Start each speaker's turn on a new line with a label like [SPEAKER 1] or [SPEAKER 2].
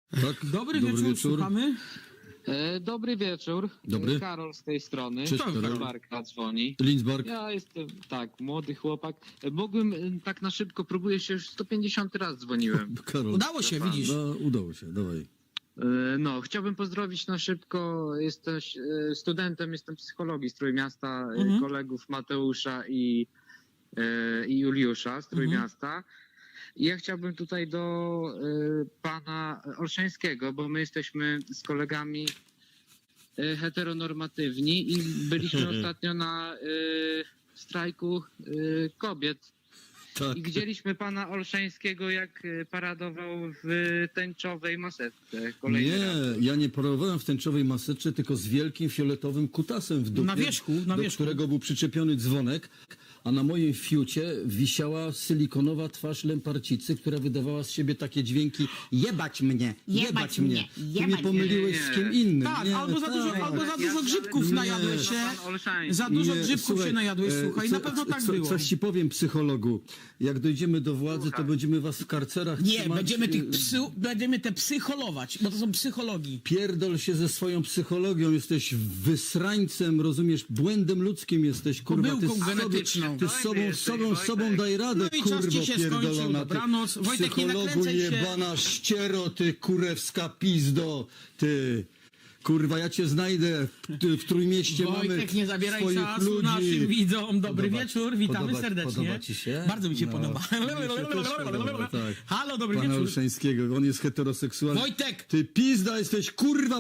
[SPEAKER 1] Tak?
[SPEAKER 2] Dobry wieczór, słuchamy.
[SPEAKER 3] Dobry wieczór.
[SPEAKER 1] Dobry.
[SPEAKER 3] Karol z tej strony.
[SPEAKER 1] Cześć,
[SPEAKER 3] Z
[SPEAKER 1] Karol.
[SPEAKER 3] Barka dzwoni.
[SPEAKER 1] Linsbark.
[SPEAKER 3] Ja jestem, tak, młody chłopak. Mógłbym tak na szybko, próbuję się, już 150 raz dzwoniłem.
[SPEAKER 1] Karol.
[SPEAKER 2] Udało się, widzisz.
[SPEAKER 1] No, udało się, dawaj.
[SPEAKER 3] No, chciałbym pozdrowić na szybko. Jesteś studentem, jestem psychologii z Trójmiasta, kolegów Mateusza i Juliusza z Trójmiasta. I ja chciałbym tutaj do pana Olszańskiego, bo my jesteśmy z kolegami heteronormatywni i byliśmy ostatnio na strajku kobiet.
[SPEAKER 1] Tak.
[SPEAKER 3] I widzieliśmy pana Olszańskiego, jak paradował w tęczowej maseczce. Kolejny raz.
[SPEAKER 1] Nie, ja nie parowałem w tęczowej maseczce, tylko z wielkim fioletowym kutasem w dupie,
[SPEAKER 2] Na wierzchu, na
[SPEAKER 1] do
[SPEAKER 2] wierzchu.
[SPEAKER 1] którego był przyczepiony dzwonek, a na moim fiucie wisiała silikonowa twarz Lemparcicy, która wydawała z siebie takie dźwięki: jebać mnie, jebać mnie. Ty mnie pomyliłeś z kim innym.
[SPEAKER 2] Tak,
[SPEAKER 1] Nie,
[SPEAKER 2] albo za dużo grzybków
[SPEAKER 3] Nie.
[SPEAKER 2] najadłeś się.
[SPEAKER 3] Pan Olszański.
[SPEAKER 2] Za dużo
[SPEAKER 1] Nie,
[SPEAKER 2] grzybków
[SPEAKER 1] słuchaj,
[SPEAKER 2] się najadłeś, słuchaj. Na pewno tak było.
[SPEAKER 1] Coś ci powiem, psychologu. Jak dojdziemy do władzy, to
[SPEAKER 3] Słuchaj.
[SPEAKER 1] będziemy was w karcerach
[SPEAKER 2] Nie,
[SPEAKER 1] trzymać.
[SPEAKER 2] będziemy te psycholować, bo to są psychologii.
[SPEAKER 1] Pierdol się ze swoją psychologią, jesteś wysrańcem, rozumiesz, błędem ludzkim jesteś, kurwa,
[SPEAKER 2] Pomyłką
[SPEAKER 1] ty
[SPEAKER 2] genetyczną.
[SPEAKER 1] Ty z sobą daj radę,
[SPEAKER 2] No i czas
[SPEAKER 1] kurwo
[SPEAKER 2] ci się skończył,
[SPEAKER 1] pierdolona, ty
[SPEAKER 2] dobranoc. Wojtek, nie
[SPEAKER 1] psychologu
[SPEAKER 2] nakręcaj się.
[SPEAKER 1] jebana ściero, ty kurewska pizdo, ty. Kurwa, ja cię znajdę, w Trójmieście mamy
[SPEAKER 2] Wojtek, nie zabieraj
[SPEAKER 1] swoich
[SPEAKER 2] czasu
[SPEAKER 1] ludzi.
[SPEAKER 2] naszym widzom. Dobry wieczór, witamy serdecznie.
[SPEAKER 1] Podoba ci się?
[SPEAKER 2] Bardzo mi się
[SPEAKER 1] No,
[SPEAKER 2] podoba.
[SPEAKER 1] mi się też podoba, tak.
[SPEAKER 2] Halo, dobry
[SPEAKER 1] Pana
[SPEAKER 2] wieczór.
[SPEAKER 1] Olszańskiego, on jest heteroseksualny.
[SPEAKER 2] Wojtek!
[SPEAKER 1] Ty pizda jesteś, kurwa!